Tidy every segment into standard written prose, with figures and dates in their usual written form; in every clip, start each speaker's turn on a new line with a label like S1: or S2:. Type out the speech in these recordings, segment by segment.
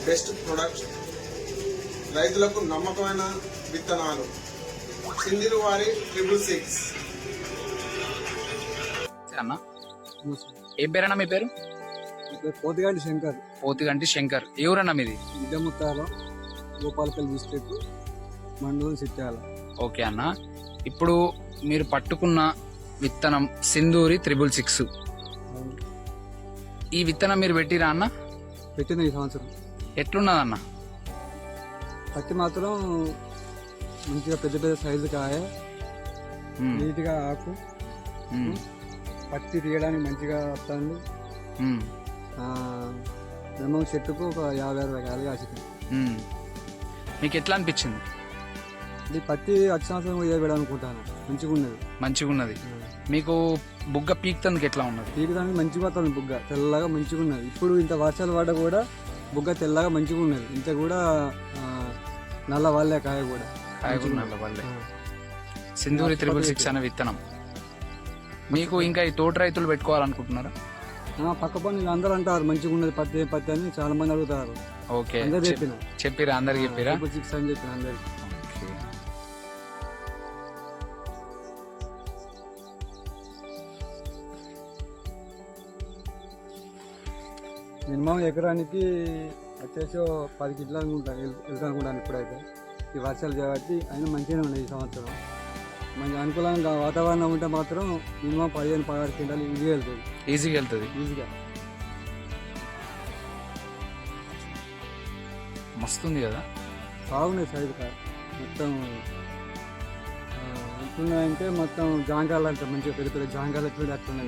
S1: Best product, రైతులకు నమ్మకమైన విత్తనాలు, సింధిరు వారి 666.
S2: అన్న ఏం పేరన్నా మీ పేరు?
S3: పోతిగంటి శంకర్.
S2: పోతిగంటి శంకర్. ఎవరన్నా మీది?
S3: విద్యముత్తాల, గోపాలపల్లి డిస్ట్రిక్ట్, మండలం సిట్యాల.
S2: ఓకే అన్న, ఇప్పుడు మీరు పట్టుకున్న విత్తనం సింధూరి 666. ఈ విత్తనం మీరు పెట్టిరా అన్న?
S3: పెట్టింది ఈ సంవత్సరం.
S2: ఎట్లున్నదన్న?
S3: పత్తి మాత్రం మంచిగా పెద్ద పెద్ద సైజు కాయ, నీట్గా ఆకు, పత్తి తీయడానికి మంచిగా వస్తుంది. మినిమం చెట్టుకు ఒక 50-60 కాయలు కాసింది.
S2: మీకు ఎట్లా అనిపించింది?
S3: ఈ పత్తి వచ్చే సంవత్సరం వేయబడాలనుకుంటాను. మంచిగా ఉన్నది. మీకు బుగ్గ పీక్తందుకు ఎట్లా ఉన్నది? పీకడానికి మంచిగా వస్తుంది. బుగ్గ తెల్లగా మంచిగా ఉన్నది. ఇప్పుడు ఇంత వర్షాలు పడ్డా కూడా బుగ్గ తెల్లగా మంచిగా ఉన్నది. ఇంత కూడా నల్ల వాళ్ళే కాయ కూడా
S2: నల్ల వాళ్ళే. సింధూరి 666 అనే విత్తనం మీకు ఇంకా ఈ తోట రైతులు పెట్టుకోవాలనుకుంటున్నారా?
S3: పక్క పనులు అందరూ అంటారు మంచిగా ఉన్నది పత్తి పత్తి అని చాలా మంది అడుగుతారు.
S2: ఓకే,
S3: అందరు
S2: చెప్పిరా? అందరికి చెప్పిరా?
S3: 666 అని చెప్పిన అందరికి. మినిమం ఎకరానికి వచ్చేసి 10 కింటాలు వెళ్తాను అనుకుంటాను ఇప్పుడైతే. ఈ వర్షాలు కాబట్టి అయినా మంచిగానే ఉన్నాయి ఈ సంవత్సరం. మంచి అనుకూలంగా వాతావరణం ఉంటే మాత్రం మినిమం 15-16 క్వింటాలు ఈజీగా వెళ్తుంది. ఈజీగా
S2: మస్తుంది కదా,
S3: బాగున్నాయి సైజు కాయ. మొత్తం ఎట్లున్నాయంటే మొత్తం జాంకాయలు అంటే మంచిగా పెద్ద పెద్ద జాంకాయలు ఎట్లుంటే అట్లున్నాయి.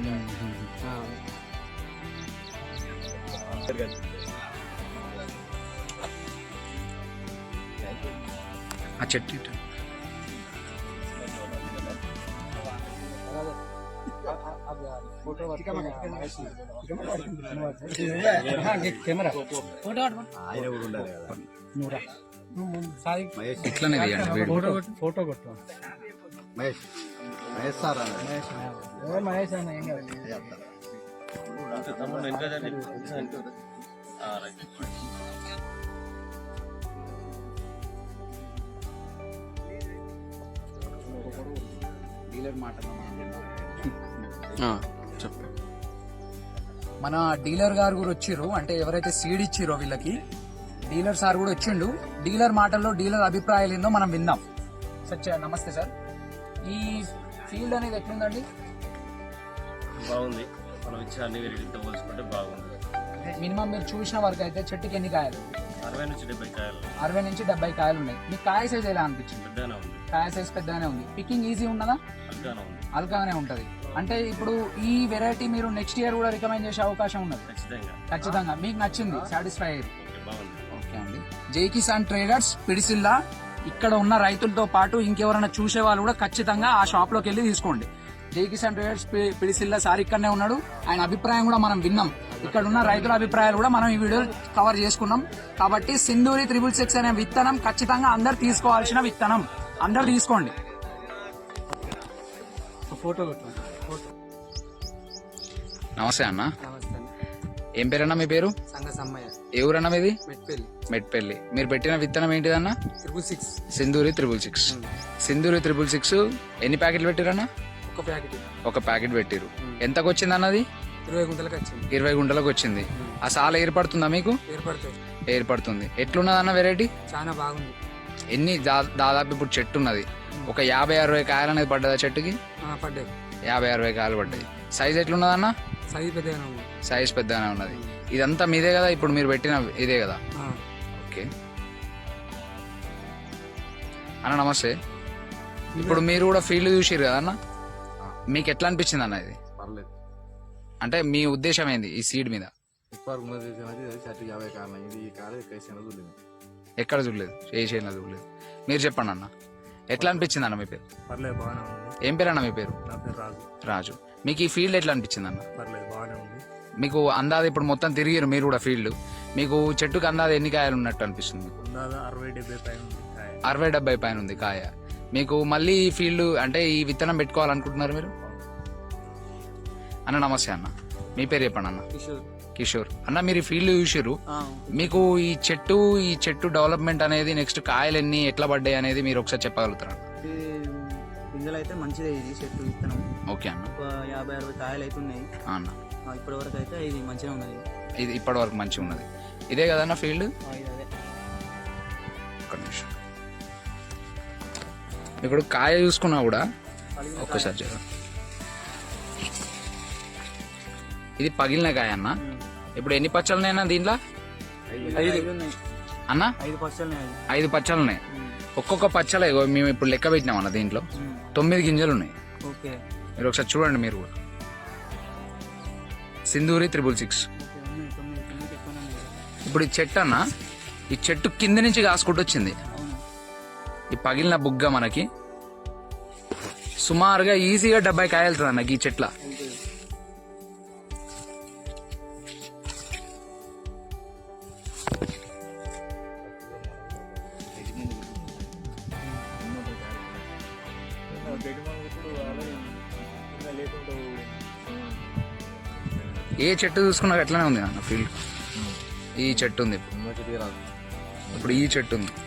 S2: ఆ చెట్టు ఇట్లనే
S3: ఫోటో కొట్టు. మహేష్ అన్న ఏం కాదు.
S2: మన డీలర్ గారు కూడా వచ్చిర్రు. అంటే ఎవరైతే సీడ్ ఇచ్చిరో వీళ్ళకి డీలర్ సార్ కూడా వచ్చిండు. డీలర్ మాటల్లో డీలర్ అభిప్రాయాలు ఏందో మనం విందాం. సార్ నమస్తే సార్, ఈ ఫీల్డ్ అనేది ఎట్లుందండి?
S4: బాగుంది. మనం ఇచ్చే అన్ని వెరైటీతో పోల్చుకుంటే బాగుంది.
S2: మినిమం మీరు చూసిన వరకు అయితే చెట్టుకి ఎన్ని కాయలు?
S4: 60 నుంచి 70 కాయలు.
S2: 60 నుంచి 70 కాయలు ఉన్నాయి. మీకు కాయ సైజ్ ఎలా అనిపించింది?
S4: పెద్దగానే ఉంది.
S2: కాయ సైజ్ పెద్దగానే ఉంది. పికింగ్ ఈజీ ఉన్నదా?
S4: అల్గానే ఉంది.
S2: అల్గానే ఉంటది. అంటే ఇప్పుడు ఈ వెరైటీ మీరు నెక్స్ట్ ఇయర్ కూడా రికమెండ్ చేసే అవకాశం ఉన్నది? ఖచ్చితంగా. మీకు నచ్చింది, సాటిస్ఫై అయ్యింది? ఓకే అండి. జై కిసాన్ ట్రేడర్స్ పిడిసిల్లా ఇక్కడ ఉన్న రైతులతో పాటు ఇంకెవరైనా చూసే వాళ్ళు కూడా ఖచ్చితంగా ఆ షాప్ లోకి వెళ్ళి తీసుకోండి. జై కిసాన్ ట్రేడర్స్ పిడిసిల్లా సార్ ఇక్కడనే ఉన్నాడు. ఆయన అభిప్రాయం కూడా మనం విన్నాం. ఇక్కడ ఉన్న రైతుల అభిప్రాయాలు కూడా మనం ఈ వీడియో కవర్ చేసుకున్నాం. కాబట్టి సింధూరి 666 అనే విత్తనం ఖచ్చితంగా అందరు తీసుకోవాల్సిన విత్తనం. అందరు తీసుకోండి.
S3: ఫోటో.
S2: నమస్తే అన్న. ఏం పేరన్నా మీ పేరు? ఎవరన్నా మీది? మెట్పల్లి. మీరు పెట్టిన విత్తనం ఏంటిదన్నా?
S3: 666.
S2: సింధూరి 666. సింధూరి 666 ఎన్ని ప్యాకెట్లు పెట్టిరన్నా? ఒక ప్యాకెట్ పెట్టిరు. ఎంతకు వచ్చింది అన్నది? 20 గుంటలకు వచ్చింది. ఆ సాల ఏర్పడుతుందా మీకు? ఏర్పడుతుంది. ఎట్లున్నది అన్న వెరైటీ?
S3: చాలా బాగుంది.
S2: ఎన్ని దాదాపు ఇప్పుడు చెట్టు ఉన్నది ఒక 50-60 కాయలు అనేది పడ్డదా చెట్టుకి? 50-60 కాయలు పడ్డాయి. సైజ్ ఎట్లున్నదన్న? సైజ్ పెద్దగానే ఉన్నది. ఇదంతా మీదే కదా ఇప్పుడు మీరు పెట్టిన ఇదే కదా? ఓకే అన్న, నమస్తే. ఇప్పుడు మీరు కూడా ఫీల్డ్ చూసిరు కదా అన్న, మీకు ఎట్లా అనిపించింది అన్న ఇది? అంటే మీ ఉద్దేశం ఏంది ఈ సీడ్ మీద? ఎక్కడ చూడలేదు, ఏ చేయలేదు చూడలేదు. మీరు చెప్పండి అన్న, ఎట్లా అనిపించింది అన్న? మీ పేరు? ఏం పేరు అన్న మీ పేరు? రాజు. మీకు ఈ ఫీల్డ్ ఎట్లా అనిపించింది అన్న? మీకు అందాజ ఇప్పుడు మొత్తం తిరిగిరు మీరు కూడా ఫీల్డ్, మీకు చెట్టుకు అందాజ ఎన్ని కాయలు ఉన్నట్టు అనిపిస్తుంది? 60-70 పైన ఉంది కాయ. మీకు మళ్ళీ ఈ ఫీల్డ్ అంటే ఈ విత్తనం పెట్టుకోవాలనుకుంటున్నారు మీరు? అన్న నమస్తే అన్న, మీ పేరు చెప్పండి అన్న. కిషోర్ అన్న మీరు ఈ ఫీల్డ్ చూసిర్రు, మీకు ఈ చెట్టు డెవలప్మెంట్ అనేది నెక్స్ట్ కాయలు ఎన్ని ఎట్లా పడ్డాయి అనేది మీరు ఒకసారి చెప్పగలుగుతారా?
S3: పిందెలు అయితే మంచిదే, ఇది చెట్టు విత్తనం.
S2: ఓకే అన్న.
S3: 50-60 కాయలు అయితే ఉన్నాయి
S2: అన్న.
S3: ఇప్పటి వరకు అయితే ఇది మంచిగా ఉన్నది.
S2: ఇది ఇప్పటి వరకు మంచిగా ఉన్నది. ఇదే కదన్న ఫీల్డ్?
S3: అదే.
S2: ఒక్క నిమిషం. ఇప్పుడు కాయ చూసుకున్నా కూడా ఒక్కసారి చూద్దాం. ఇది పగిలిన కాయ అన్న. ఇప్పుడు ఎన్ని పచ్చలున్నాయన్నా దీంట్లో?
S3: 5 ఉన్నాయి
S2: అన్న.
S3: 5 పచ్చలు.
S2: 5 పచ్చలు ఉన్నాయి. ఒక్కొక్క పచ్చలే మేము ఇప్పుడు లెక్క పెట్టినాం అన్న. దీంట్లో 9 గింజలు ఉన్నాయి.
S3: ఓకే,
S2: మీరు ఒకసారి చూడండి మీరు కూడా. సింధూరి 666. ఇప్పుడు ఈ చెట్టు అన్న, ఈ చెట్టు కింద నుంచి కాసుకుంటూ వచ్చింది. ఈ పగిలిన బుగ్గ మనకి సుమారుగా ఈజీగా 70 కాయలుతుంది అన్న ఈ చెట్ల. ఏ చెట్టు చూసుకున్నా అట్లనే ఉంది అన్న ఫీల్డ్. ఈ చెట్టు ఉంది ఇప్పుడు ఈ చెట్టు ఉంది.